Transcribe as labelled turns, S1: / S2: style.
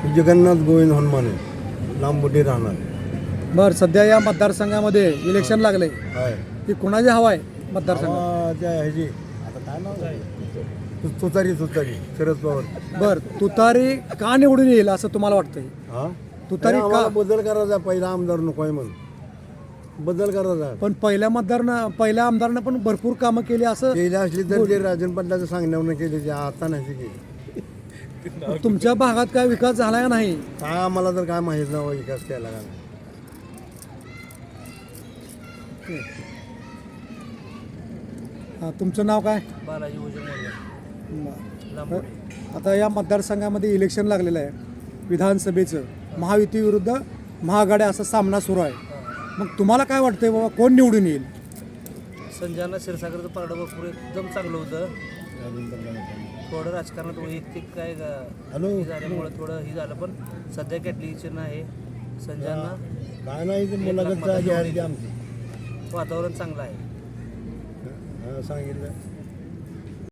S1: जगन्नाथ गोविंद हनुमाने लांबुटी राहणार
S2: बरं, सध्या या मतदारसंघामध्ये इलेक्शन लागले
S1: आहे.
S2: की कुणाची हवा आहे मतदारसंघात?
S1: त्या ह्याची आता काय नाव आहे? तुतारी शरद पवार.
S2: बरं, तुतारी का निवडून येईल असं तुम्हाला वाटतंय?
S1: हा
S2: तुतारी
S1: आम्हाला
S2: का?
S1: बदल करायचा, पहिला आमदार नको आहे म्हणून बदल करायचा.
S2: पण पहिल्या आमदारनं पण भरपूर कामं केली असं
S1: केली असली तर ते राजन पाटलाचं सांगण्यावरून केली, आता नाही केली.
S2: तुमच्या भागात काय विकास झाला का नाही?
S1: काय आम्हाला तर काय माहीत नाही विकास केला का नाही.
S2: तुमचं नाव काय?
S3: बालाजी
S2: आता या मतदारसंघामध्ये इलेक्शन लागलेलं आहे विधानसभेचं. महायुती विरुद्ध महाआघाडी असा सामना सुरू आहे. मग तुम्हाला काय वाटतंय बाबा, कोण निवडून येईल?
S3: संजना क्षीरसागरचं पारडं भरपूर एकदम चांगलं होतं. थोडं राजकारणात वैयक्तिक काय हे झाल्यामुळं थोडं हे झालं, पण सध्या कॅटलीचं आहे संजना.
S1: काय नाही ते मुलाखत आमची
S3: वातावरण चांगलं आहे.
S1: सांगितलं.